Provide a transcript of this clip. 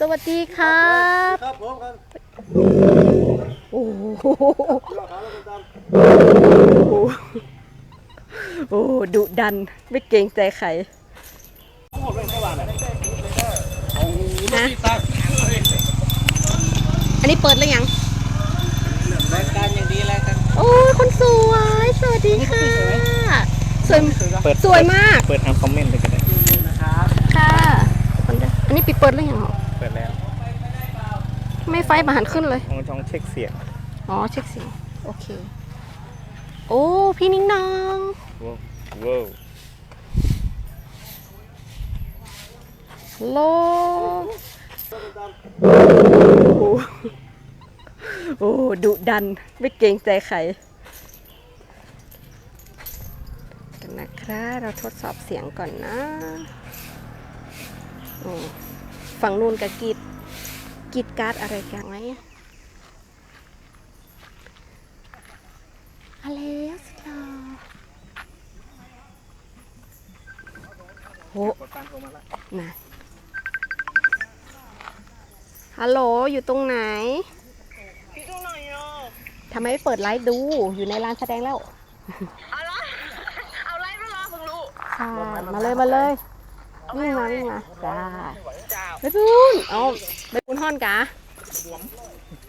สวัสดีครับครับผมครับโอ้โหโอ้ดุดันไม่เกรงใจใครนะอันนี้เปิดแล้วยังรายการอย่างดีแล้วกันโอ้ยคนสวยสวัสดีค่ะสวยสวยมากเปิดทางคอมเมนต์เลยก็ได้ค่ะอันนี้ปิดเปิดแล้วยังเหรอเปิดแล้วไม่ไฟมาหันขึ้นเลยต้องเช็คเสียงอ๋อเช็คเสียงโอเคโอ้พี่นิ้งนองว้าวฮัลโหลโอ้ดุดันไม่เกรงใจใครกันนะครับเราทดสอบเสียงก่อนนะฝั่งนู้นกับกีดการ์ดอะไรกันไหมอะไรสิคะโหนะฮัลโหลอยู่ตรงไหนพี่ดูหน่อยเนาะทำไมไม่เปิดไลฟ์ดูอยู่ในร้านแสดงแล้วเอาไลฟ์มารอเพิ่งรู้ค่ะมาเลยวิ่งมาจ้าไปบุญเอาไปบุญห่อนกะ